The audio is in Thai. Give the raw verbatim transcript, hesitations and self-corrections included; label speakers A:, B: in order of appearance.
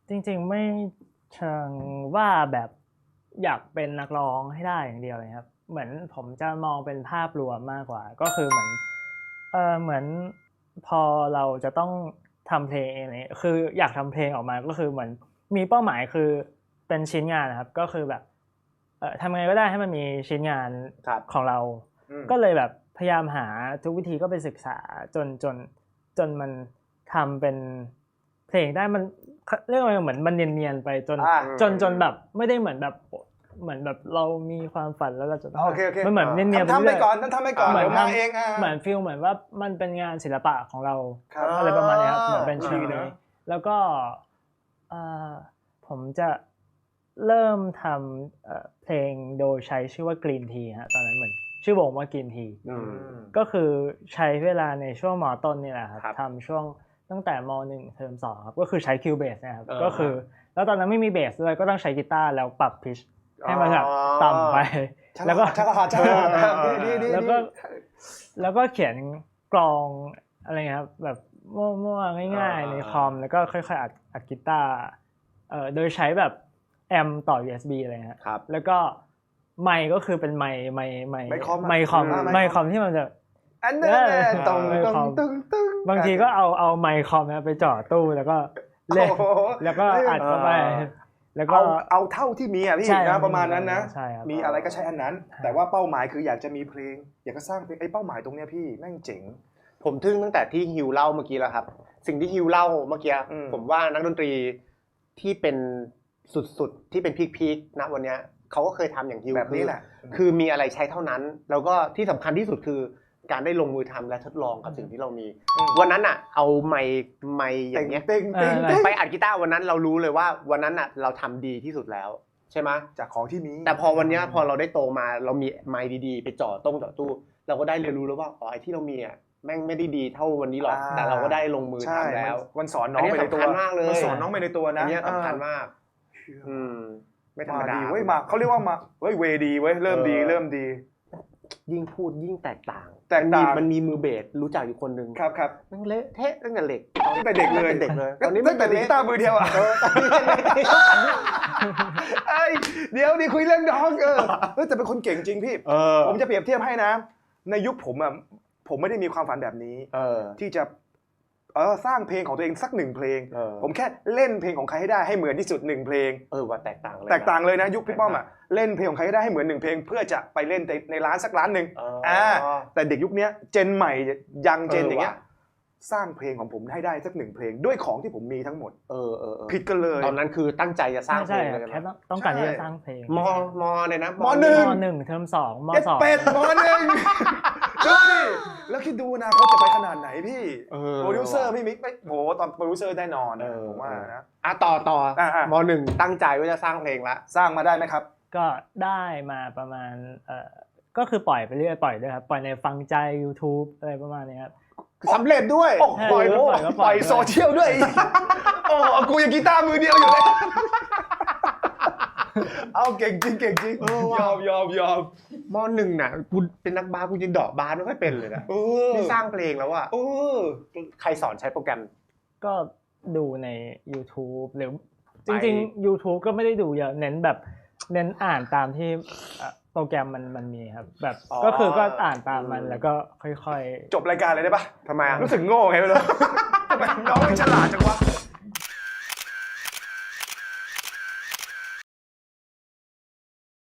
A: จริงๆไม่เชิงว่าแบบอยากเป็นนักร้องให้ได้อย่างเดียวเลยครับเหมือนผมจะมองเป็นภาพรวมมากกว่าก็คือเหมือนเออเหมือนพอเราจะต้องทำเพลงเองเนี่ยคืออยากทำเพลงออกมาก็คือเหมือนมีเป้าหมายคือเป็นชิ้นงานนะครับก็คือแบบเออทำไงก็ได้ให้มันมีชิ้นงานของเราก็เลยแบบพยายามหาทุกวิธีก็ไปศึกษาจนจนจนมันทำเป็นเพลงได้มันเรียกว่าเหมือนมันเนียนๆไปจนจนจนแบบไม่ได้เหมือนแบบเหมือนแบบเรามีความฝันแล้วเราจะต้องมันเหมือนเนียนๆไป
B: ทำไปก่อนทำไปก่อนเหมือนมาเอง
A: เหมือนฟีลเหมือนว่ามันเป็นงานศิลปะของเราอะไรประมาณนี้ครับเหมือนเป็นชื่อนี้แล้วก็ผมจะเริ่มทำเพลงโดยใช้ชื่อว่า Green Tea ฮะตอนนั้นเหมือนชื่อวงว่า Green Tea ก็คือใช้เวลาในช่วงม.ต้นนี่แหละครับทำช่วงตั้งแต่ม.หนึ่งเทอมสองครับก็คือใช้คิวเบสนะครับก็คือแล้วตอนนั้นไม่มีเบสเลยก็ต้องใช้กีตาร์แล้วปรับพิชให้มันแบบต่ำไปแล้วก็แล้วก็แล้วก็เขียนกลองอะไรเงี้ยครับแบบมั่วๆง่ายๆในคอมแล้วก็ค่อยๆอัดอัดกีตาร์เอ่อโดยใช้แบบแอมป์ต่อ ยู เอส บี อะไรเงี้ยครับแล้วก็ไมค์ก็คือเป็นไมค์ไมค์ไมค์ไมค์คอมไมค์คอมที่มันจะ
B: อันนั้นตรงตรงตรง
A: บางทีก็เอาเอาไมค์คอมไปจ่อตู้แล้วก็เล่นแล้วก็อัดเข้าไปแล้วก็
B: เอาเอาเท่าที่มีอ่ะพี่นะประมาณนั้นนะมีอะไรก็ใช้อันนั้นแต่ว่าเป้าหมายคืออยากจะมีเพลงอยากจะสร้างเพลงไอ้เป้าหมายตรงเนี้ยพี่แม่งเจ๋ง
C: ผมทึ่งตั้งแต่ที่ฮิวเล่าเมื่อกี้แล้วครับสิ่งที่ฮิวเล่าเมื่อกี้ผมว่านักดนตรีที่เป็นสุดๆที่เป็นพีคๆณวันนี้เขาก็เคยทำอย่างฮิว
B: แบบนี้แหละ
C: คือมีอะไรใช้เท่านั้นแล้วก็ที่สำคัญที่สุดคือการได้ลงมือทำและทดลองกับสิ่งที่เรามีวันนั้นอ่ะเอาไมค์ไมค์อย่างเงี้ยไปอัดกีตาร์วันนั้นเรารู้เลยว่าวันนั้นอ่ะเราทำดีที่สุดแล้วใช่ไหม
B: จากของที่มี
C: แต่พอวันนี้พอเราได้โตมาเรามีไมค์ดีๆไปจ่อต้งจ่อตู้เราก็ได้เรียนรู้แล้วว่าอ๋อไอ้ที่เรามีอ่ะแม่งไม่ได้ดีเท่าวันนี้หรอกแต่เราก็ได้ลงมือทำแล้ว
B: วันสอนน้องไปในตัวมันสอนน้องไปในตัวนะ
C: อันนี้สำคัญมากอืมไม่ธรรมดา
B: เว้ยมาเขาเรียกว่ามาเว้ยเวดีเว้ยเริ่มดีเริ่มดี
C: ยิ่งพูดยิ่งแตกต่าง
B: แตกต่าง
C: มันมีมือเบสรู้จักอยู่คนนึง
B: ครับครับ
C: ตั้งเละเทะตั้งแต่เด็ก
B: ตั้งแต่เด็กเลย
C: เด็กเลย
B: ตอนนี้ตั้งแต่กีตาร์มือเดียวอ่ะเอ้ยเดี๋ยวดิคุยเรื่องน้องเออเฮ้ยแต่เป็นคนเก่งจริงพี่ผมจะเปรียบเทียบให้นะในยุคผมอ่ะผมไม่ได้มีความฝันแบบนี้ที่จะเออสร้างเพลงของตัวเองสักหนึ่งเพลงผมแค่เล่นเพลงของใครให้ได้ให้เหมือนที่สุดหนึ่งเพลง
C: เออว่าแตกต่างเลย
B: แตกต่างเลยนะยุคพี่ป้อมอ่ะเล่นเพลงของใครให้ได้ให้เหมือนหนึ่งเพลงเพื่อจะไปเล่นในร้านสักร้านนึงอ่าแต่เด็กยุคนี้เจนใหม่ยังเจนอย่างเงี้ยสร้างเพลงของผมให้ได้สักหนึ่งเพลงด้วยของที่ผมมีทั้งหมด
C: เออเออ
B: ผิดกันเลย
C: ตอนนั้นคือตั้งใจจะสร้างเพลงเลย
A: แค่ต้องการที่จะสร้างเพลง
C: มมเลยนะ
B: มหนึ่ง
A: มหนึ่งเทอมสองมสอง
B: เป็ดมหนึ่งดูดิแล้วคิดดูนะเขาจะไปขนาดไหนพี่โปรดิวเซอร์พี่มิกไม่โหตอนโปรดิวเซอร์แน่นอนผมว่านะ
C: อ่ะต่อต่อมหนึ่งตั้งใจว่าจะสร้างเพลงละ
B: สร้างมาได้ไหมครับ
A: ก็ได้มาประมาณเอ่อก็คือปล่อยไปเรื่อยปล่อยด้วยครับปล่อยในฟังใจ YouTube อะไรประมาณนี้ครับ
B: สำเร็จด้วยโอ้โหปล่อยโซเชียลด้วยโอ้กูยังกีตาร์มือเดียวอยู่เลยเอาเก่งจริงเก่งจริงยอมยอมยอม
C: ม.หนึ่งน่ะกูเป็นนักบาสกูยังเดาะบาสไม่ค่อยเป็นเลยนะนี่สร้างเพลงแล้วอ่ะใครสอนใช้โปรแกรม
A: ก็ดูใน YouTube หรือจริงๆ YouTube ก็ไม่ได้ดูเยอะเน้นแบบเน้นอ่านตามที่โปรแกรมมันมันมีครับแบบก็คือก็อ่านตามมันแล้วก็ค่อย
B: ๆจบรายการเลยได้ปะ
C: ทำไม
B: รู้สึกโง่ไงไม่รู้ทำไมน้องไม่ฉลาดจังวะ